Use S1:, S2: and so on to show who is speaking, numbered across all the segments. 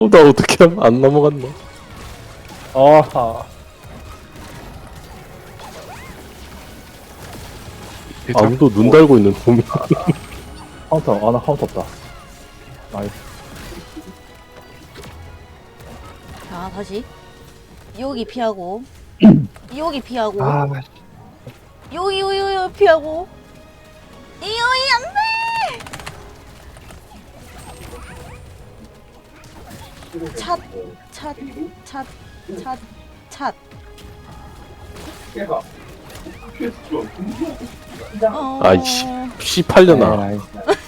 S1: 나 어떻게 하면 안 넘어갔나?
S2: 아하.
S1: 아무도 눈 달고 있는 놈이.
S2: 카운터. 아, 나 카운터 없다. 나이스.
S3: 자, 다시. 여기 피하고. 여기 피하고.
S2: 아,
S3: 여기 피하고. 여기 안 돼! 찻.
S1: 아이씨, 씨 팔려나.
S2: 나이스.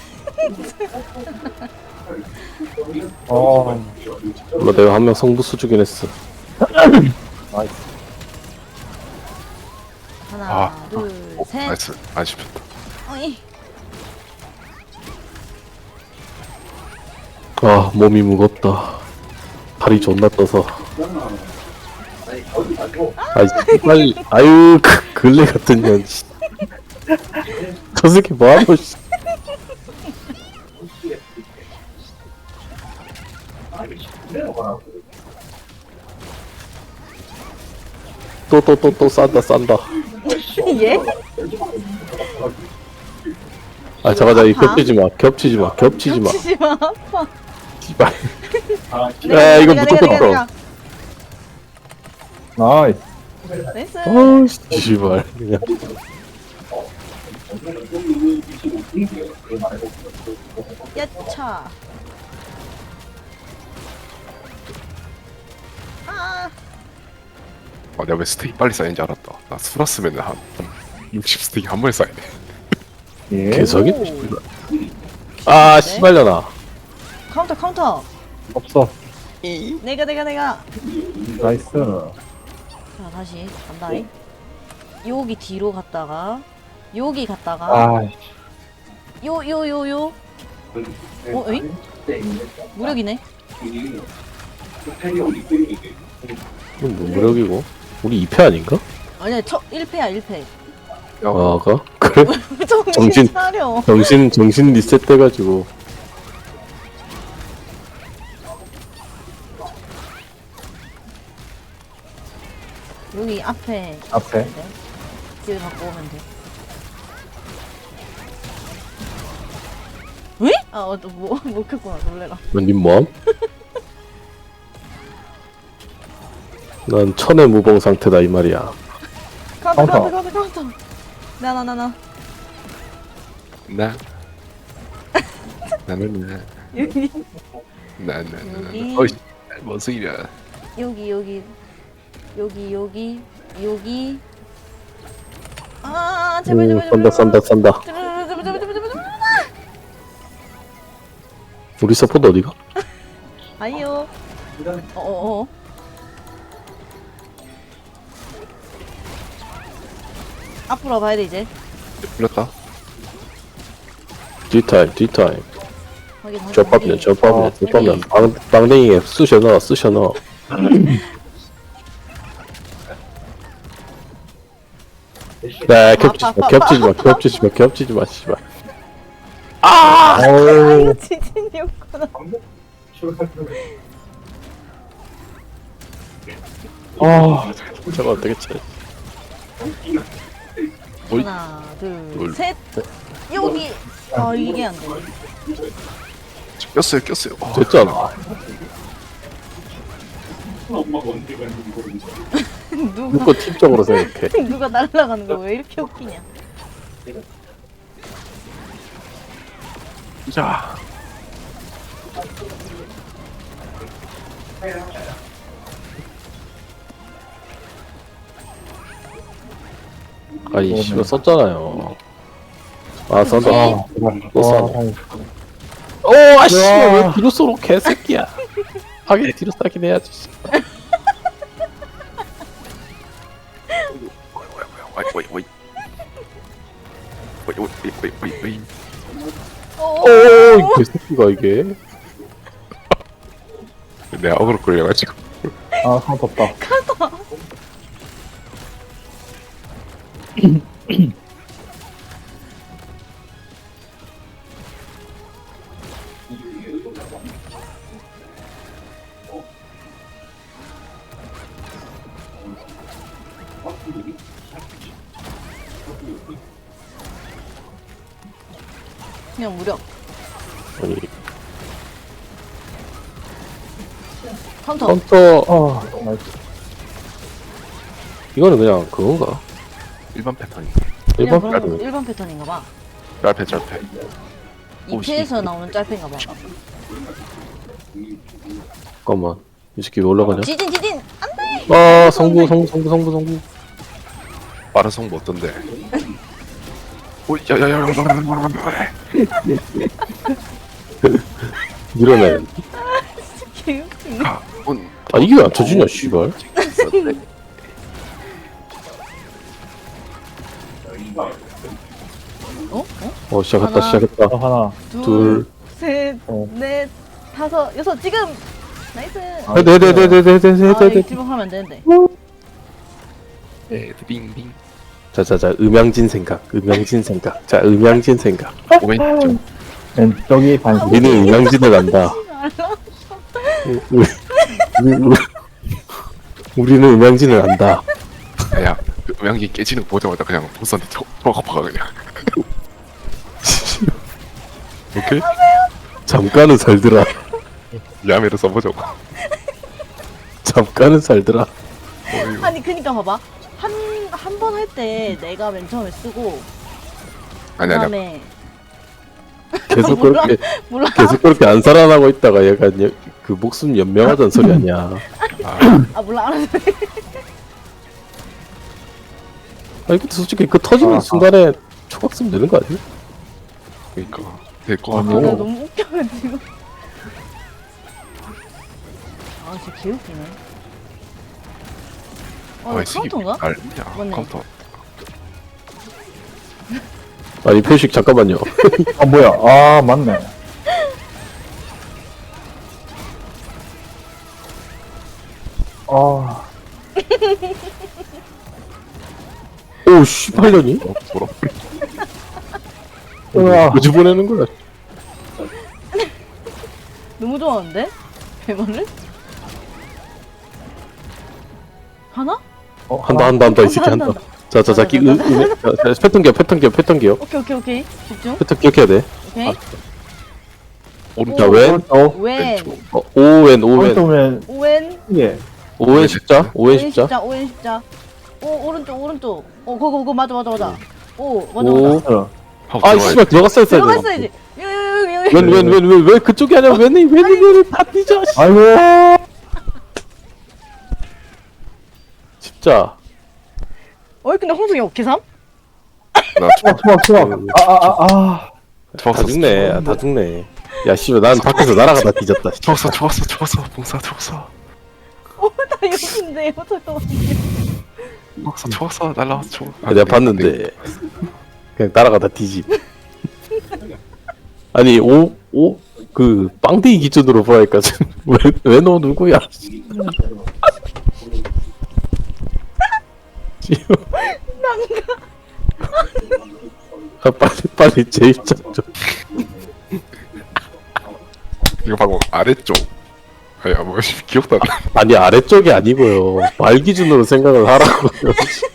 S2: 어,
S1: 몰라, 내가 한 명 성부수 주긴 했어.
S2: 나이스.
S3: 하나, 둘, 셋.
S4: 나이스. 안 씹혔다.
S3: 어이.
S1: 아, 몸이 무겁다. 다리 존나 떠서. 아이, 빨리, 아유, 근래 같은 년, 씨. 저 새끼 뭐하노, 씨. 또, 싼다.
S3: 예?
S1: 아, 잠깐, 이
S3: 아파?
S1: 겹치지 마. 겹치지 마.
S3: 겹치지 마, 아파.
S1: 씨발.
S3: 내가,
S1: 이거
S3: 내가,
S1: 무조건
S3: 내가,
S1: 써.
S2: 나이스.
S3: 나이스.
S1: 어, 씨발. 그냥.
S3: 야차. 아,
S4: 내가 왜 스테이크 빨리 쌓이는지 알았다. 나 수라스면 한 60 스테이크 한 번에 쌓이네.
S2: 예.
S1: 개석이?
S3: 오.
S1: 아, 씨발려나.
S3: 카운터.
S2: 없어.
S3: 내가.
S2: 나이스.
S3: 자, 다시 간다. 여기 뒤로 갔다가 여기 갔다가
S2: 아,
S3: 요. 에잉? 무력이네.
S1: 이건 뭐 무력이고? 우리 2패 아닌가?
S3: 아니야, 1패야, 1패.
S1: 아, 그래?
S3: 정신
S1: 정신-
S3: 차려.
S1: 정신 리셋 돼가지고.
S3: 여기 앞에
S2: 앞에.
S3: 길 갖고 오면 돼. 왜? 아, 못 켰구나. 놀래라.
S1: 님 뭐함? 난 천의 무봉 상태다 이 말이야.
S3: 카운터. 나.
S4: 나. 나는
S3: 여기.
S4: 나는 어이 뭔 소리야.
S3: 여기. 아, 제발.
S1: 싼다. 우리 서포트 어디가?
S3: 아이요. 어어어. 앞으로 봐야 돼 이제.
S4: 풀렸다.
S1: 뒤타임.
S3: 확인.
S1: 저밥면. 빵댕이에 쑤셔 넣어. 네, 겹치지 마, 씨발.
S2: 어우,
S3: 지진이었구나.
S1: 저거 어떻게 쳐? 어이?
S3: 하나, 둘,
S4: 둘.
S3: 셋. 여기. 아, 이게 안 되네.
S4: 꼈어요.
S1: 됐잖아. 누가 팀적으로 생각해.
S3: 누가 날아가는 거 왜 이렇게 웃기냐?
S4: 자.
S1: 아니, 씨발 썼잖아요. 아, 썼다.
S2: 아, 제발.
S1: 또 싸네.
S2: 다행이다.
S1: 오, 아씨, 왜 뒤로 쏘노 개새끼야. 하긴 뒤로 싸긴 해야지. 씨.
S4: 오이.
S1: 오, 이 개새끼가 이게.
S4: 내가 어그로 끌려가지고.
S2: 아, 카운터 없다.
S3: 그냥 무력.
S1: 아니
S3: 카운터.
S1: 카운터
S2: 나이스.
S1: 이거는 그냥 그건가?
S4: 일반 패턴이.
S3: 그냥
S1: 일반
S3: 그런
S1: 패턴.
S3: 거 일반 패턴인가 봐.
S4: 짧게. 오,
S3: 2패에서 나오는 짤패인가 봐.
S1: 잠깐만 이 새끼 왜 올라가냐?
S3: 지진 안돼.
S1: 아 성부.
S4: 빠른 성부 어떤데? 오, 야야야.
S1: 밀어내.
S3: 개웃기네.
S1: 아 이게 왜 안 쳐지냐 씨발.
S3: 어?
S1: 시작했다
S3: 하나.
S1: 시작했다.
S2: 하나.
S1: 둘.
S3: 셋,
S2: 어.
S3: 넷, 다섯, 여섯. 지금. 나이스.
S2: 아,
S3: 아,
S1: 네네네네네네네네.
S3: 이거 지목하면 안 되는데.
S4: 네, 빙빙.
S1: 자자자 음양진 생각. 자 음양진 생각.
S4: 오왼쪽.
S2: 왼쪽이 반시.
S1: 우리는 음양진을 안다. 우리는 음양진을 안다.
S4: 야, 그 음향기 깨지는 거 보자마자 그냥 보스한테 쳐박아봐 그냥. 오케이?
S1: 잠깐은 살더라.
S4: 야매를 써보자고.
S1: 잠깐은 살더라.
S4: 어이구.
S3: 아니 그니까 봐봐. 한 번 할 때 내가 맨 처음에 쓰고
S4: 아니.
S3: 그다음에
S1: 계속
S3: 몰라.
S1: 그렇게
S3: 몰라.
S1: 계속 그렇게 안 살아나고 있다가 얘가 그 목숨 연명하던 소리 아니야.
S3: 아 몰라 알았어.
S1: 아니 근데 솔직히 그 터지는 순간에 초각 쓰면 되는 거 아니야?
S4: 그러니까 될거
S3: 아,
S4: 같고.
S3: 나 너무 웃겨가지고. 아 진짜 개웃기네. 아, 이거 카운터인가?
S4: 알냐?
S3: 맞네.
S4: 카운터.
S1: 아니 표식 잠깐만요.
S2: 아 뭐야? 아 맞네. 아.
S1: 오 씨발년이?
S4: 뭐라?
S2: 으아.
S1: 어디 보내는 거야?
S3: 너무 좋아하는데? 배만을? 하나?
S1: 한다 이 새끼 한다. 자자자 기 패턴 기억.
S3: 오케이. 집중.
S1: 패턴 기억해야 돼.
S3: 오케이.
S1: 자 왼.
S3: 웬.
S1: 오웬
S2: 오른쪽면
S3: 오웬.
S2: 예.
S1: 오웬 십자. 오웬 십자.
S3: 오웬 십자. 오 오른쪽. 그거 맞아. 오 맞아.
S2: 어.
S4: 하고
S1: 아
S4: 들어가야
S1: 씨발 들어갔어야 돼.
S3: 들어갔어야지. 여기.
S1: 왜 그쪽이 아니야? 웬이 다 뒤져.
S2: 아이고.
S1: 십자.
S3: 근데 홍성이 어떻게 삼?
S4: 나
S2: 추억. 아.
S1: 다 죽네. 다 죽네. 야 씨발 난 밖에서 날아가다 뒤졌다.
S4: 좋았어. 봉사 좋았어.
S3: 나 여기인데요. 잠깐만.
S4: 좋았어. 날라왔어. 좋아.
S1: 내가 봤는데 그냥 날아가다 뒤집. 아니 그 빵대기 기준으로 보니까 왜 너 누구야? 아, 빨리 제 입장 좀.
S4: 이거 방금 아래쪽. 아야 뭐 기억도 안 나.
S1: 아니 아래쪽이 아니고요. 말 기준으로 생각을 하라고요.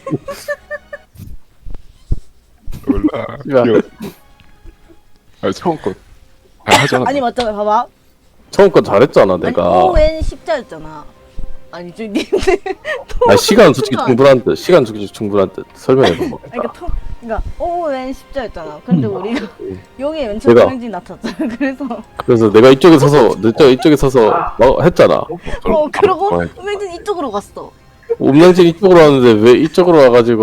S4: 몰라.
S1: 야.
S4: 기억. 아니 처음 거. 하잖아.
S3: 아니 맞잖아. 봐봐.
S1: 처음 건 잘했잖아
S3: 아니
S1: 내가.
S3: 오웬 십자였잖아. 아니 저 님들.
S1: 아 시간 솔직히 충분한 듯. 설명해봐.
S3: 그러니까 오웬 십자였잖아. 근데 우리가 여기에 맨
S1: 내가-
S3: 처음 왠지 나탔잖아.
S1: 그래서 내가 이쪽에 서서 했잖아.
S3: 그러고 왠지 이쪽으로 갔어.
S1: 음양진 이쪽으로 왔는데 왜 이쪽으로 와가지고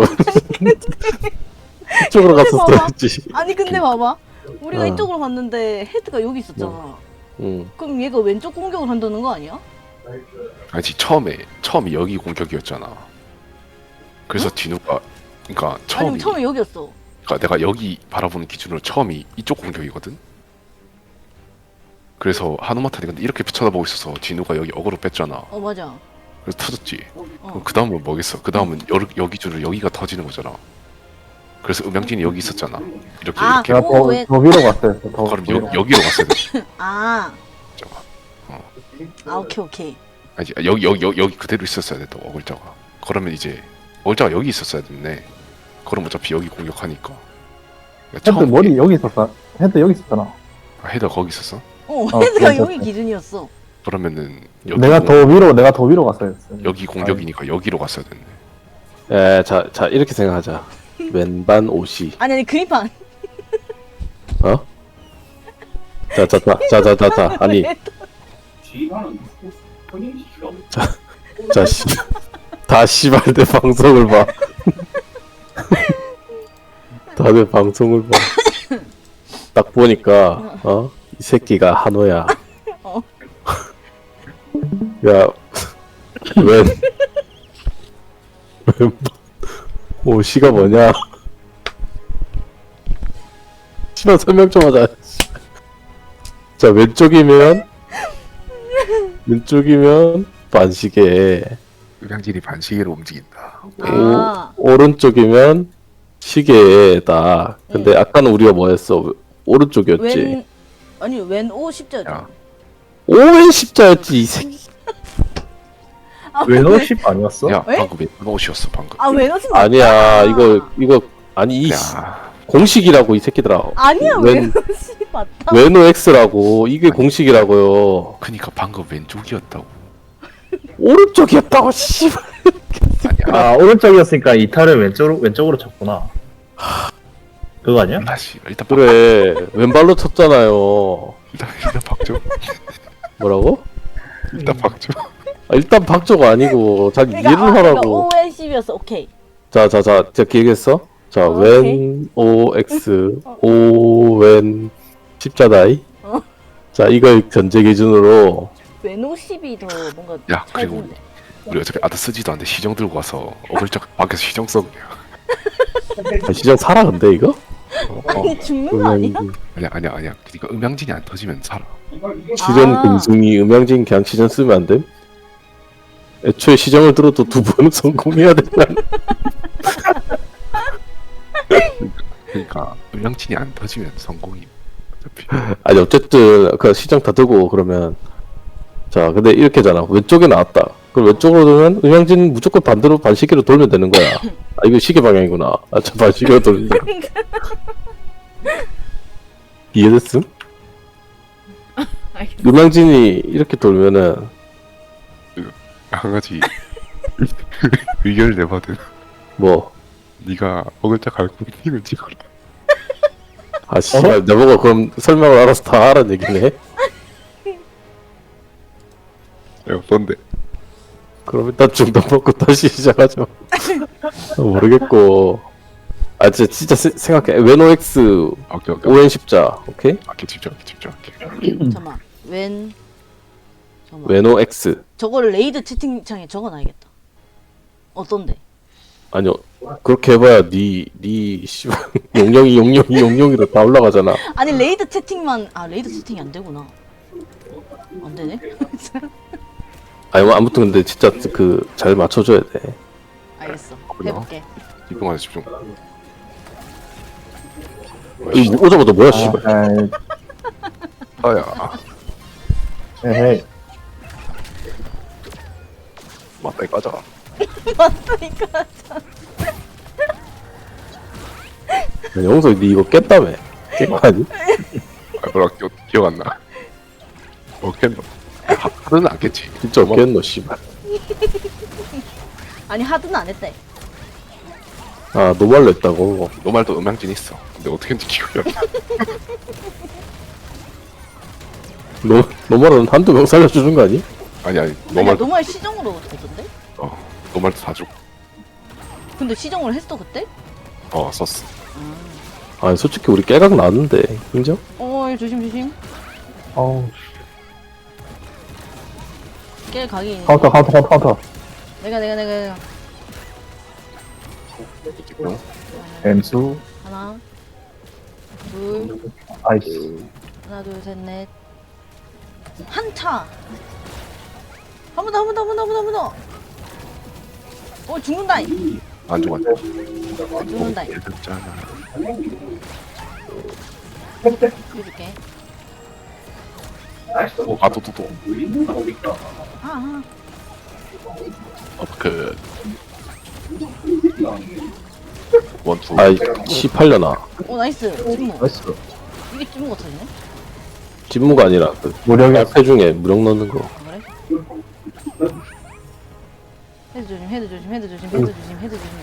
S1: 이쪽으로 갔었어야지.
S3: 아니 근데 봐봐. 우리가
S1: 어.
S3: 이쪽으로 갔는데 헤드가 여기 있었잖아.
S1: 응.
S3: 그럼 얘가 왼쪽 공격을 한다는 거 아니야?
S4: 아니 처음이 여기 공격이었잖아. 그래서 진우가 그러니까
S3: 아니 처음에 여기였어.
S4: 그러니까 내가 여기 바라보는 기준으로 처음이 이쪽 공격이거든. 그래서 하누마탄이 근데 이렇게 쳐다보고 있어서 진우가 여기 어그로 뺐잖아.
S3: 맞아.
S4: 그래서 터졌지.
S3: 어.
S4: 그 다음은 뭐겠어? 그 다음은 여기 줄을 여기가 터지는 거잖아. 그래서 음양진이 여기 있었잖아. 이렇게
S3: 아,
S4: 이렇게.
S2: 제가
S3: 오, 왜-
S2: 더 위로 갔어요. 더
S4: 그럼
S2: 위로.
S4: 여기로 갔어야 돼.
S3: 아.
S4: 잠깐.
S3: 오케이.
S4: 아니 여기 그대로 있었어야 돼. 또 어글자가. 그러면 이제 어글자가 여기 있었어야 됐네. 그럼 어차피 여기 공격하니까. 그러니까
S2: 헤드 머리 여기 있었어. 헤드 여기 있었잖아.
S4: 아, 헤더 거기 있었어?
S3: 헤드가
S2: 괜찮네.
S3: 여기 기준이었어.
S4: 그러면은 여기
S2: 내가 더 위로 갔어야 했어.
S4: 여기 공격이니까 여기로 갔어야 됐네.
S1: 에, 자 이렇게 생각하자. 왼반 옷이
S3: 아니 그림판.
S1: 어? 자 아니 자 씨. 다 씨발 내 방송을 봐. 다들 방송을 봐. 딱 보니까 이 새끼가 한호야.
S3: 어.
S1: 야, 웬 오시가 뭐냐? 씨발 설명 좀 하자. 자 왼쪽이면 반시계.
S4: 음향진이 반시계로 움직인다.
S3: 아.
S1: 오른쪽이면 시계다. 근데 아까는 우리가 뭐였어? 오른쪽이었지.
S3: 왼오 십자였잖아.
S4: 야,
S1: 오wen 십자였지 이 새끼.
S2: 왼오 10 아니었어?
S4: 야
S3: 왜?
S4: 방금 왼옷이었어 방금.
S3: 왼오 십
S1: 아니야 이거 아니 이
S4: 야,
S1: 공식이라고 이 새끼들아.
S3: 아니야
S1: 왼-
S3: 왼오 십 맞다.
S1: 왼오 X라고 이게 공식이라고요.
S4: 그니까 방금 왼쪽이었다고.
S1: 오른쪽이었다고 씨발.
S4: 아니야.
S2: 아, 오른쪽이었으니까 이탈을 왼쪽으로 쳤구나. 그거 아니야?
S4: 다시 일단
S1: 그래 왼발로 쳤잖아요.
S4: 일단 박죠.
S1: 뭐라고?
S4: 일단 박죠.
S1: 일단 박조가 아니고 자기 이해를 하라고.
S3: 오엔 십이었어. 오케이.
S1: 자 기억했어? 자
S3: 오케이.
S1: 왼 O X 오wen 십자다이. 자 이걸 전제 기준으로
S3: 왼오 십이 더 뭔가.
S4: 야 그리고
S3: 짧은데.
S4: 우리 어차피 아드 쓰지도 않는데 시정 들고 와서 어글적 밖에서 시정 써 그냥.
S1: 시장 살아 근데 이거?
S3: 아니 죽는 거 아니야?
S4: 아니야. 그러니까 음향진이 안 터지면 살아.
S1: 시전
S3: 아.
S1: 금승이 음향진 그냥 시전 쓰면 안 됨? 애초에 시정을 들어도 두 번은 성공해야 된다.
S4: 그러니까 음향진이 안 터지면 성공이. 어차피.
S1: 아니 어쨌든 그 시정 다 들고 그러면 자 근데 이렇게잖아. 왼쪽에 나왔다. 그럼 왼쪽으로 돌면 음향진 무조건 반대로 반시계로 돌면 되는 거야. 아 이거 시계 방향이구나. 저 반시계로 돌린다. 이해됐음?
S3: 알겠어.
S1: 음향진이 이렇게 돌면은
S4: 한 가지 의견을 내거든.
S1: 뭐
S4: 네가 어글자 갈고 핑을 찍어라.
S1: 아 씨발 내보고 그럼 설명을 알아서 다 하라는 얘기네.
S4: 내가 뭔데?
S1: 그럼 일단 중단 먹고 다시 시작하죠. 모르겠고. 아 진짜 생각해. 왼 OX
S4: 오케이.
S1: ON 십자. 오케이?
S4: 집중할게.
S3: 잠깐만. 잠깐만.
S1: 왼 OX.
S3: 저거를 레이드 채팅창에 적어놔야겠다. 어떤데?
S1: 아니요. 그렇게 해봐야 니 씨발 용용이로 다 올라가잖아.
S3: 아니 레이드 채팅만 레이드 채팅이 안 되구나. 안 되네.
S1: 아니 뭐 아무튼 근데 진짜 그 잘 맞춰줘야 돼.
S3: 알겠어.
S4: 그래요?
S3: 해볼게.
S4: 집중하자 집중.
S1: 이 오자마자 뭐야 씨발.
S4: 아야
S2: 에헤이.
S4: 맞다 이 까자.
S3: 맞다니까.
S1: 영석 니 이거 깼다며. 깬 거 아니?
S4: 아 뭐라 기억 안 나. 뭐 깼노? 하드는 안 깼지.
S1: 진짜 깼노 씨발.
S3: 아니 하드는 안 했대.
S1: 아 노말로 했다고.
S4: 너 말도 음향진 있어. 근데 어떻게 했는지 기억이 안 나.
S1: 노말은 한두 명 살려주는 거 아니?
S4: 아니 너
S3: 아니야
S4: 말도
S3: 노말 시정으로 했던데?
S4: 너 말도 다 줘.
S3: 근데 시정을 했어 그때?
S4: 썼어.
S1: 아니 솔직히 우리 깨각 나왔는데 인정?
S3: 조심.
S2: 어우,
S3: 깨 각이.
S2: 카운터.
S3: 내가.
S4: 집중.
S2: 엠수.
S3: 하나, 둘,
S2: 아이씨.
S3: 하나, 둘, 셋, 넷. 한차. 한 번 더. 죽는다.
S4: 안 좋아.
S3: 죽는다.
S4: 됐잖아.
S3: 해줄게.
S4: 또.
S3: 아.
S4: 그 원투.
S1: 아이 18년아.
S3: 오 나이스. 침묵.
S2: 나이스.
S3: 이게 찜무가 터지네?
S1: 진무가 아니라 그
S2: 무력이
S1: 앞에 중에 무력 넣는 거.
S3: 아, 그래? 헤드 조심, 헤드 조심, 헤드 조심, 헤드 조심, 헤드 조심.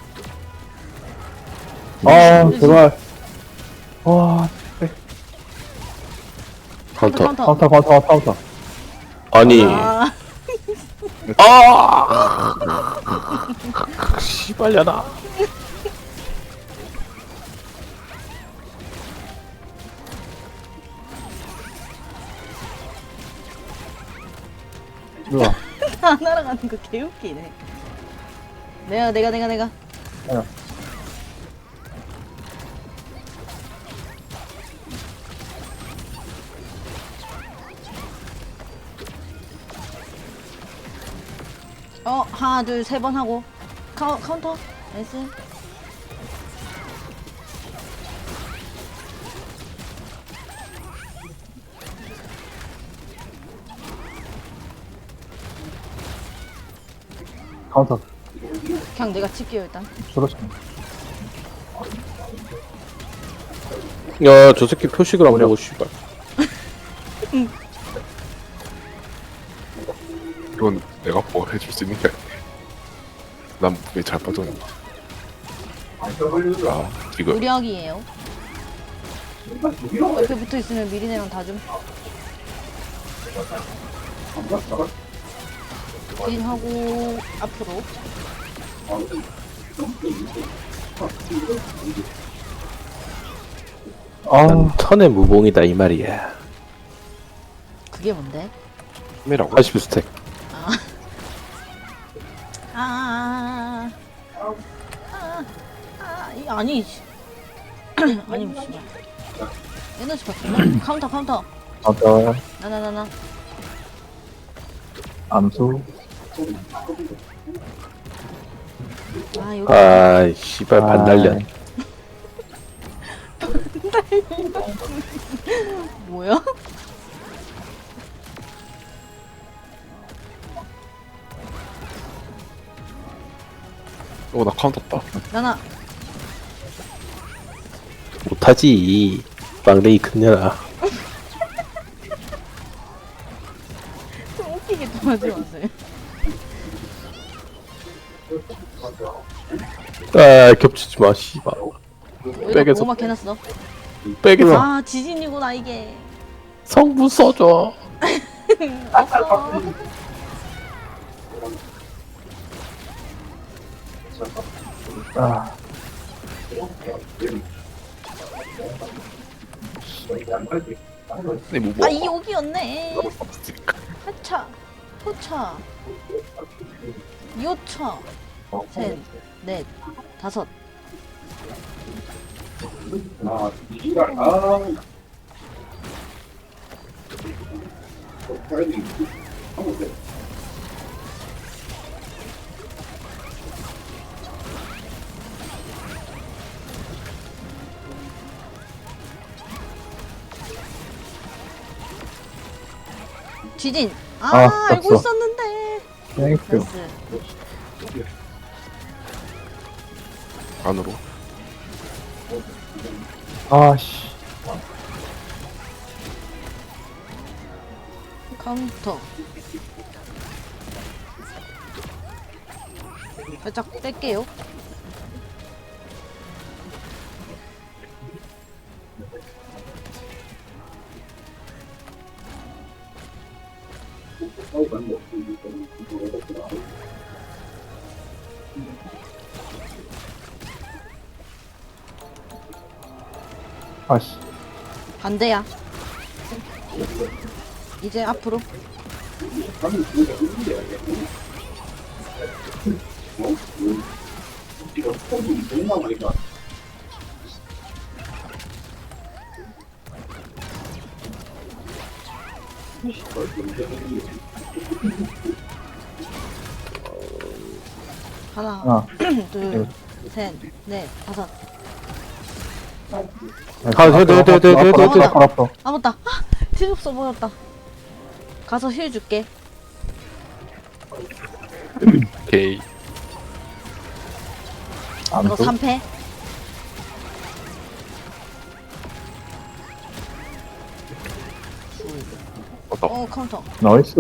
S2: 아 제발. 와
S1: 카운터.
S3: 카운터.
S2: 카운터.
S1: 아니.
S3: 아,
S1: 씨발려나.
S2: 좋아.
S3: 다 날아가는 거 개웃기네. 내가.
S2: 야.
S3: 하나, 둘, 세 번 하고. 카운터. 나이스.
S2: 카운터.
S3: 그냥 내가 칠게요, 일단.
S2: 그렇지.
S1: 야, 저 새끼 표식을 안 보고 씨발.
S4: 이건 내가 뭐 해줄 수 있는 게 아니야. 난 왜 잘 빠졌나? 아, 지금
S3: 무력이에요. 옆에 붙어 있으면 미리네랑 다 좀. 하고 앞으로.
S2: 아
S1: 천의 무봉이다 이 말이야.
S3: 그게 뭔데?
S1: 80 스택.
S3: 아니. 아니, 씨발. 에너지 받구나. 카운터.
S2: 카운터.
S3: 나나나나.
S2: 암수.
S3: 여기.
S1: 아, 씨발 반달련.
S3: 뭐야?
S4: 나 카운터 떴다.
S3: 나나.
S1: 못하지. 빵레이 큰년아.
S3: 좀 웃기게 좀 하지 마세요.
S1: 아, 겹치지 마, 씨발.
S3: 여기다
S1: 백에서-
S3: 보호막 해놨어.
S1: 백에서
S3: 아, 지진이구나, 이게.
S1: 성분 써줘.
S3: 없어.
S2: 아
S4: 근데 뭐
S3: 이 여기였네.
S4: 없으니까.
S3: 하차, 호차, 요차, 셋, 넷, 다섯. 지진. 알고
S2: 떴어.
S3: 있었는데.
S2: 땡큐.
S3: 나이스.
S4: 안으로.
S2: 아씨.
S3: 카운터. 살짝 뺄게요.
S2: 아씨.
S3: 반대야. 이제 앞으로. 하나,
S2: 하나.
S3: 둘, 셋, 넷, 다섯.
S1: 돼.
S2: 알았어.
S3: 아 맞다. 힐 없어 보였다. 가서 힐 줄게.
S4: 오케이.
S3: 이거
S2: 암수.
S3: 3패. 카운터.
S2: 나이스.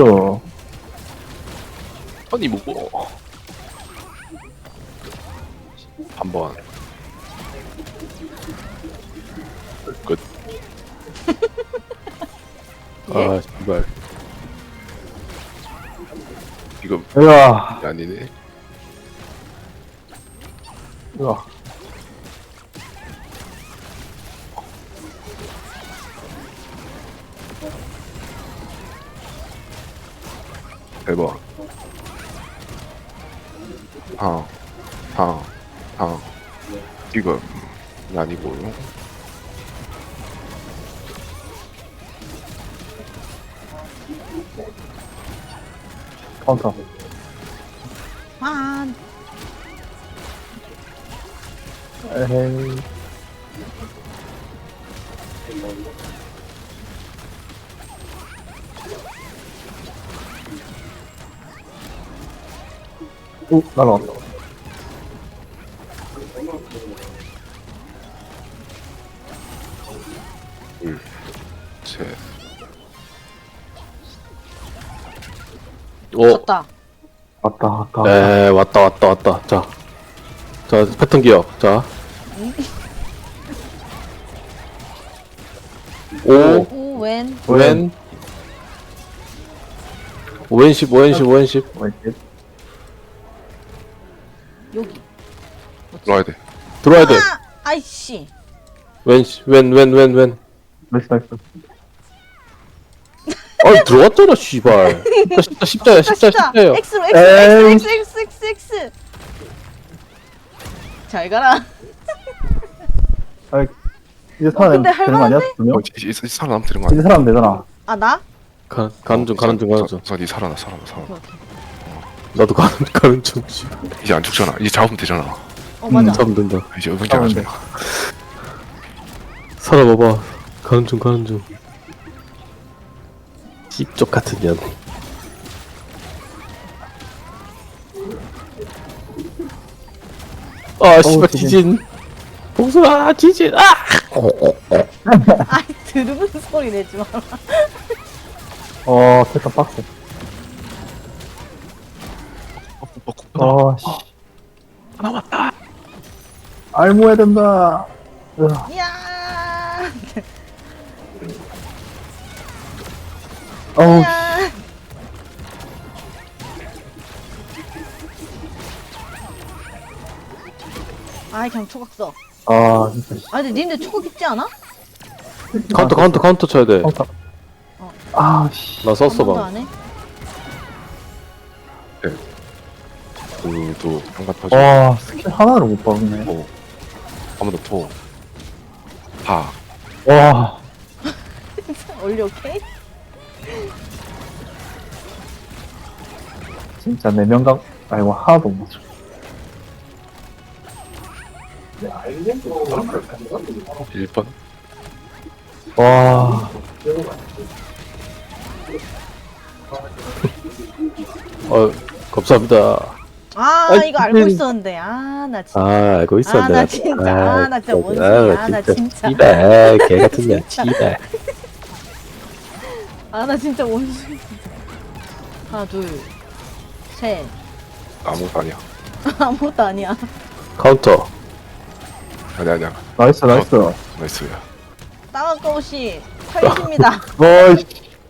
S4: 아니 뭐 한번 끝.
S1: 아 씨발.
S4: 이거
S2: 으아.
S4: 아니네.
S2: 으아.
S4: 대박. 이거 아니고요.
S2: 카운터.
S3: 아,
S2: 에헤이. 오, 날아왔다.
S4: 셋.
S1: 오.
S3: 졌다.
S2: 왔다, 왔다.
S1: 에 왔다. 자 패턴 기억. 자. 오.
S3: 오, 웬?
S1: 웬. 오엔십.
S2: 왼쪽.
S3: 여기.
S4: 들어와야 돼.
S1: 들어와야 돼.
S3: 아, 아이씨.
S1: 웬.
S2: 나이스, 나이스.
S1: 아 들어왔잖아 씨발. 십자예요.
S3: X로,
S2: 에이.
S3: X. 잘 가라.
S2: 아, 이제 살아내면
S3: 근데
S2: 되는 거 아니야?
S3: 할만한데?
S2: 두 명?
S4: 이제 살아남면 되는 거
S2: 이제
S4: 아니야?
S2: 살아면 되잖아.
S3: 아, 나?
S1: 가는 중.
S4: 니 살아나.
S1: 나도 가는 중. 씨발.
S4: 이제 안 죽잖아. 이제 잡으면 되잖아.
S3: 맞아.
S1: 잡으면 된다.
S4: 이제 의문자 안
S2: 잡으면
S4: 하잖아.
S1: 살아봐봐. 가는 중. 씹쪽 같은 년. 아 씨발 지진. 봉수아 지진. 아.
S3: 아이, 들으면 소리 내지 마.
S2: 패턴 빡세. 씨.
S4: 나왔다.
S2: 알모해야 된다. 으아.
S3: 야,
S2: 어우,
S3: 야. 아이, 그냥 초각 써.
S2: 아, 진짜. 씨.
S3: 아, 근데 님들 초각 있지 않아?
S1: 카운터 쳐야 돼.
S2: 카운터.
S3: 어.
S2: 아, 씨.
S1: 나 썼어
S3: 한 번도
S1: 방.
S3: 안 해?
S4: 그도 평가 터지.
S2: 와, 스킬 하나를 못 박네.
S4: 한 번 더 토. 파.
S2: 와,
S3: 올려, 오케이?
S2: 진짜 4명각, 아이고, 하나도 못 맞춰.
S4: 1번.
S2: 와,
S1: 감사합니다.
S3: 아,
S1: 아이,
S3: 이거 알고 있었는데. 아, 나 진짜.
S1: 아 알고 있었네.
S3: 나 진짜. 나 진짜 원숭이야. 나 진짜.
S1: 씨발 개 같은 년. 씨발.
S3: 아, 나 진짜 원숭이. 하나, 둘, 셋.
S4: 아무것도 아니야.
S3: 아무것도 아니야.
S1: 카운터.
S4: 아니야.
S2: 나이스, 나이스.
S4: 나이스야.
S3: 땅아까우씨 팔십니다.
S2: 어이씨.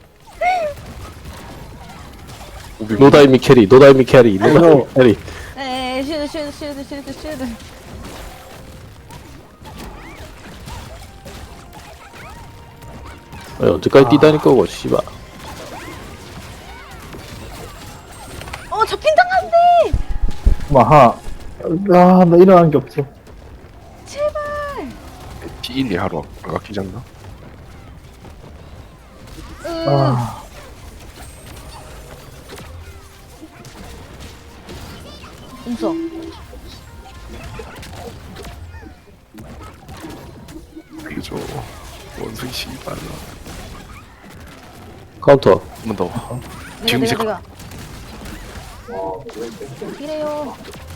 S1: 노다이미 캐리. 노다이미 캐리.
S3: 에이, 쉴드.
S1: 언제까지 뛰다닐 거고 씨발.
S3: 잡힌 당한데.
S2: 아, 나 일어난 게 없어.
S3: 제발.
S4: T1이 하루 안 깎이지 않나?
S2: 아,
S3: 음소.
S4: 이거 원숭이 씨발.
S1: 카운터.
S4: 한 번 더. 지금 이제
S3: 내가. 이래요.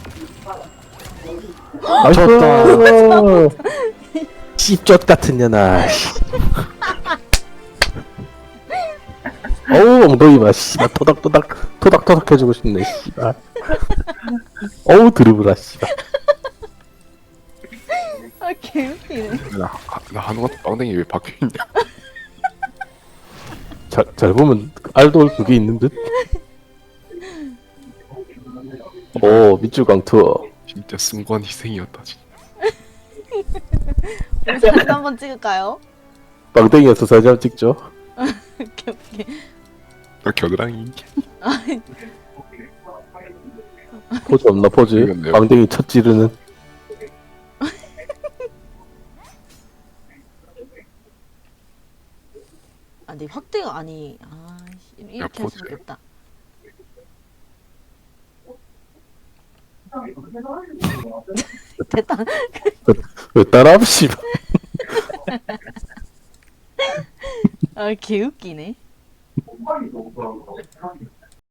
S2: 나이스.
S1: 씹쪽 같은 년아. 어우 엉덩이만 씨발 토닥토닥 해주고 싶네 씨발. 어우 드리블아 씨발.
S3: 아 개웃기네.
S4: 나 한우가 빵댕이 왜 박혀있냐.
S1: 잘 보면 알돌 그게 있는 듯. 오 밑줄 강투.
S4: 진짜 순간 희생이었다 진짜.
S3: 우리 사진 한번 찍을까요?
S1: 빵댕이에서 사진 한번 찍죠.
S3: 오케이.
S4: 나 겨드랑이.
S1: 포즈 없나 포즈?
S4: 모르겠네요.
S1: 빵댕이 첫 찌르는.
S3: 아니 확대가 아니. 아 이렇게 할
S4: 포즈.
S3: 수밖에 없다. 됐다.
S1: 왜 따라함 씨발.
S3: 아 개웃기네.